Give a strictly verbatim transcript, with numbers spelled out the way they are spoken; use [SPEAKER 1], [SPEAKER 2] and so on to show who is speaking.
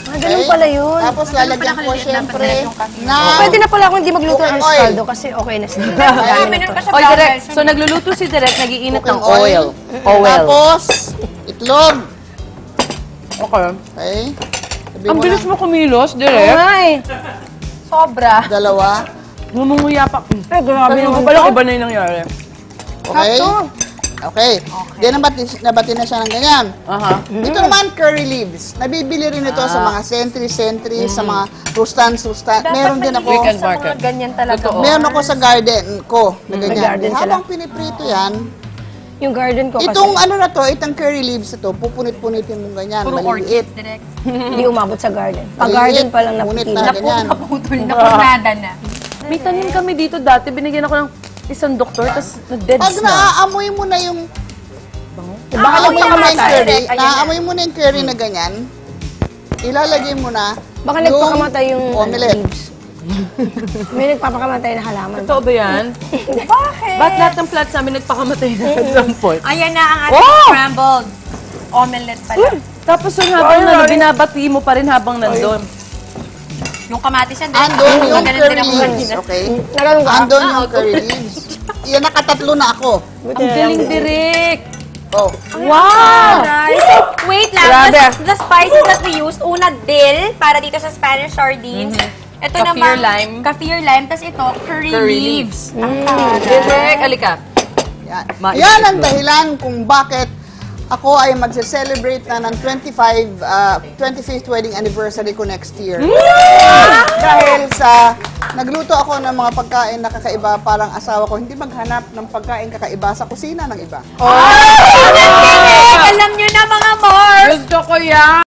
[SPEAKER 1] Ah, ganun pala yun.
[SPEAKER 2] Tapos lalagyan ko siyempre na...
[SPEAKER 1] Pwede na pala ako hindi magluto ng scaldo kasi okay na siya.
[SPEAKER 3] O, direct. So, nagluluto si Direct, nagiinit ng oil. Oil.
[SPEAKER 2] Tapos, itlog.
[SPEAKER 3] Okay.
[SPEAKER 2] Okay. Sabi
[SPEAKER 3] Ang
[SPEAKER 2] mo
[SPEAKER 3] bilis
[SPEAKER 2] na,
[SPEAKER 3] mo kumilos, Direct.
[SPEAKER 1] Ay!
[SPEAKER 3] Sobra.
[SPEAKER 2] dalawa.
[SPEAKER 3] Ngumunguya pa.
[SPEAKER 1] Ay, grabe
[SPEAKER 3] Sabi mo
[SPEAKER 1] naman
[SPEAKER 3] pala,
[SPEAKER 1] to.
[SPEAKER 3] iba na yung nangyari.
[SPEAKER 2] Okay? Okay. Then, nabati, nabati na siya ng ganyan.
[SPEAKER 3] Aha.
[SPEAKER 2] Ito naman, curry leaves. Nabibili rin ito sa mga sentry-sentry, sa mga rustan-rustan. Meron din ako.
[SPEAKER 3] Weekend market.
[SPEAKER 1] Ganyan talaga.
[SPEAKER 3] Totoo.
[SPEAKER 2] Meron ako sa garden ko na ganyan.
[SPEAKER 1] garden sila.
[SPEAKER 2] Habang piniprito yan,
[SPEAKER 1] Yung garden ko kasi.
[SPEAKER 2] itong ano na to, itong curry leaves na to, pupunit-punitin mo ganyan,
[SPEAKER 4] Puro
[SPEAKER 2] maliliit.
[SPEAKER 4] orchids, direct.
[SPEAKER 1] Hindi umabot sa garden. Pag-garden pa lang
[SPEAKER 2] Punit
[SPEAKER 1] napipili.
[SPEAKER 2] na ganyan.
[SPEAKER 4] Naputol, napunada na.
[SPEAKER 3] May tanim kami dito dati, binigyan ako ng isang doktor, tapos na-deads
[SPEAKER 2] Pag
[SPEAKER 3] na.
[SPEAKER 2] naaamoy mo na yung
[SPEAKER 1] Baka
[SPEAKER 2] Naamoy mo na yung
[SPEAKER 1] nagpakamatay.
[SPEAKER 2] curry, naamoy mo na yung curry na ganyan, ilalagay mo na
[SPEAKER 1] Baka nagpakamatay yung
[SPEAKER 2] omelette.
[SPEAKER 1] leaves. May nagpapakamatay na halaman.
[SPEAKER 3] Totoo ba yan?
[SPEAKER 4] Bakit?
[SPEAKER 3] Ba't lahat ng plants namin nagpakamatay na at some point?
[SPEAKER 4] Ayan na ang ating
[SPEAKER 3] Oh!
[SPEAKER 4] scrambled omelette pala.
[SPEAKER 3] Tapos yung habang na, binabati mo pa rin habang nandun.
[SPEAKER 4] Yung kamatis yan,
[SPEAKER 2] Andun yung
[SPEAKER 4] Ganun
[SPEAKER 2] curry
[SPEAKER 4] din ako
[SPEAKER 2] leaves,
[SPEAKER 4] kanina.
[SPEAKER 2] okay?
[SPEAKER 1] Naganon ka?
[SPEAKER 2] Andun yung curry leaves. Yan, nakatatlo na ako.
[SPEAKER 3] Ang galing, Direk!
[SPEAKER 2] Oh.
[SPEAKER 3] Wow!
[SPEAKER 4] Nice. So, wait lang.
[SPEAKER 1] Grabe.
[SPEAKER 4] The, the spices that we used, una, dill, para dito sa Spanish sardines. Ito
[SPEAKER 3] Kaffir
[SPEAKER 4] naman,
[SPEAKER 3] lime.
[SPEAKER 4] kaffir lime. Tapos ito, curry,
[SPEAKER 3] Curry
[SPEAKER 4] leaves.
[SPEAKER 3] Direk, alika.
[SPEAKER 2] Yan.
[SPEAKER 3] Ma-
[SPEAKER 2] Yan ang dahilan kung bakit ako ay magse-celebrate na ng twenty-five, uh, twenty-fifth wedding anniversary ko next year. Dahil sa nagluto ako ng mga pagkain na kakaiba, parang asawa ko hindi maghanap ng pagkain kakaiba sa kusina ng iba.
[SPEAKER 4] Alam nyo na mga more!
[SPEAKER 3] Gusto ko yan!